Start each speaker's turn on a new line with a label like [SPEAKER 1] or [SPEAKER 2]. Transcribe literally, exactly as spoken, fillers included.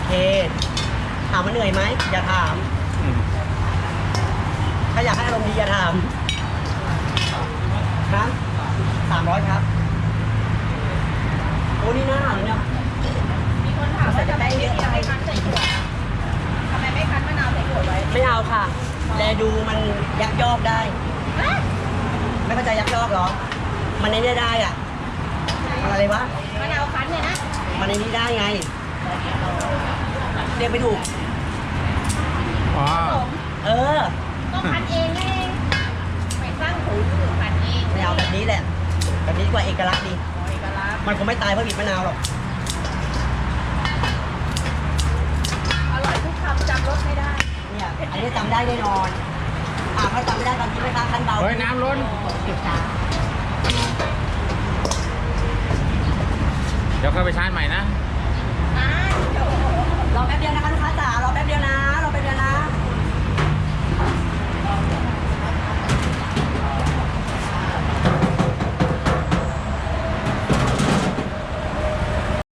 [SPEAKER 1] เคถามว่าเหนื่อยไหมอย่าถาม
[SPEAKER 2] อืม
[SPEAKER 1] ถ้าอยากให้อารมณ์ดีอย่าถามครับสามร้อยครับโอ้นี่น่าเลยเนี่ย
[SPEAKER 3] มีคนถามว่าทำไมไม่มีไม่คั้นใส่ขวดอะทำไมไม่คั้นมะนาวใส่ขวดไว้
[SPEAKER 1] ไม่เอาค่ะ แลดูมันยักยอกได้
[SPEAKER 3] ฮะ
[SPEAKER 1] ไม่เข้าใจยักยอกเหรอ มันในนี้ได้อ่ะมันอะไรวะ
[SPEAKER 3] มะนาวคั้นเนี่ยนะ
[SPEAKER 1] มันในนี้ได้ไง เรียกไม่ถูก
[SPEAKER 2] อ๋อ
[SPEAKER 3] ผม
[SPEAKER 1] เออ
[SPEAKER 3] ก็คั้นเองไงไปสร้างหูหรือคั้นเอง
[SPEAKER 1] ไม่เอาแบบนี้แหละ แบบนี้ดีกว่าเอกลักษณ์ดี
[SPEAKER 3] อ๋อเอกลักษณ์
[SPEAKER 1] มันคงไม่ตายเพราะบีบมะนาวหรอก
[SPEAKER 3] อร่อยทุกคำจำรสไม่ได้
[SPEAKER 1] เนี่ย อันนี้จำได้แน่นอน อ่าถ้าจำไม่ได้ตอนที่ไม่ค้าขั้นเบา
[SPEAKER 2] เฮ้ยน้ำล้น
[SPEAKER 1] เก็บช้า
[SPEAKER 2] เดี๋ยวค่อยไปชาร์จใหม่นะ
[SPEAKER 3] อ้า